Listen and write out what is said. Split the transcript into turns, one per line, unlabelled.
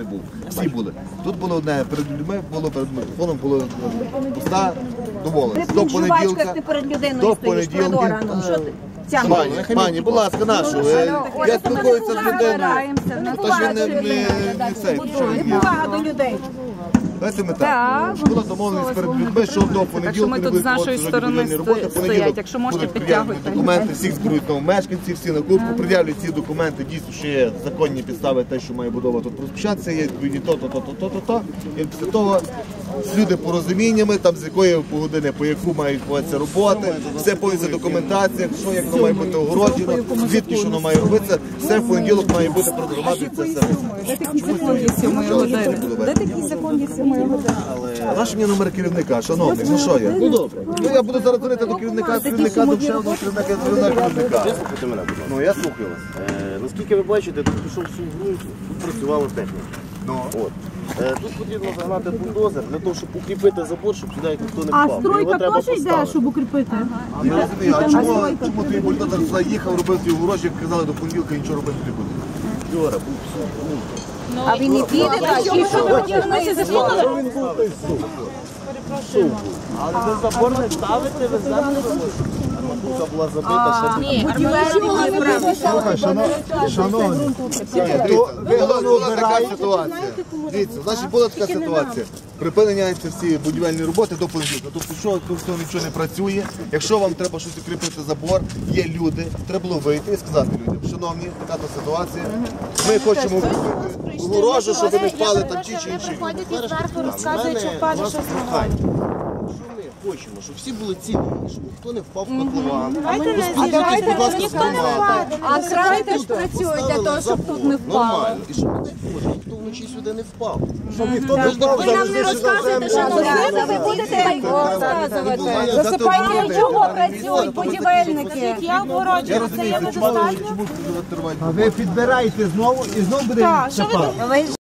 не був. Всі були. Тут було одне, перед людьми було, перед мікрофоном було пуста домовленість. До понеділка, пані, будь ласка, нашу. Я спілкуюся з людиною. Тож він не цей.
Повага до людей.
Давайте ми так. Була домовленість перед людьми, що до понеділка не будуть проводити будівельні роботи. Понеділок будуть пред'явлені документи, всіх зберують мешканці, всі на кубку, пред'являть ці документи, дійсно, що є законні підстави, те, що має будова тут розпочатися, є відповідні то. І після того з люди порозуміннями, там з якої години, по яку мають відбуватися роботи, все повністю документація, що як воно має бути огороджено, звідки що воно має робитися, все в понеділок має бути продовжувати це все.
Де такі законні 7 години? Де такі законні 7 години?
А наш мені номер керівника, шановний, ну що я? Ну добре. Ну я буду зараз дзвонити до керівника, до ще одного керівника.
Слухайте мене, будь ласка.
Ну я слухаю вас.
Наскільки ви бачите, тут пішов всю ґрунт, тут працювала техніка. Тут потрібно загнати бульдозер для того, щоб укріпити забор, щоб сюди ніхто не впав.
А стройка теж йде, щоб укріпити?
А не розумію, а чому твій бульдозер сюди їхав, робив ті огорожі, як казали до понеділка, нічого робити не буде? Вчора був все.
А він не піде, так? І що ви хотіли закони?
Але ви забор не ставите, ви землю матуха була забита, ще
Шановні, була така ситуація. Дивіться, значить була така ситуація. Припиняються всі будівельні роботи до понеділка. Тобто, що тут нічого не працює. Якщо вам треба щось укріпити забор, є люди, треба було вийти і сказати людям, шановні, така то ситуація. Ми хочемо укріпити огорожу, щоб не впали там ті чи інші.
Приходять і зверху розказують, що впаде щось на голову.
Ми хочемо, щоб всі були цілі, щоб ніхто не впав в котлован.
А крани теж працюють для того, щоб тут не впало.
Нормально. І щоб ніхто вночі сюди не впав.
Ви нам не розказуєте, що ви будете розказувати. Засипайте, чого працюють будівельники. Я обгороджую, це є недостатньо.
Чому
А ви підбираєте знову і знову буде.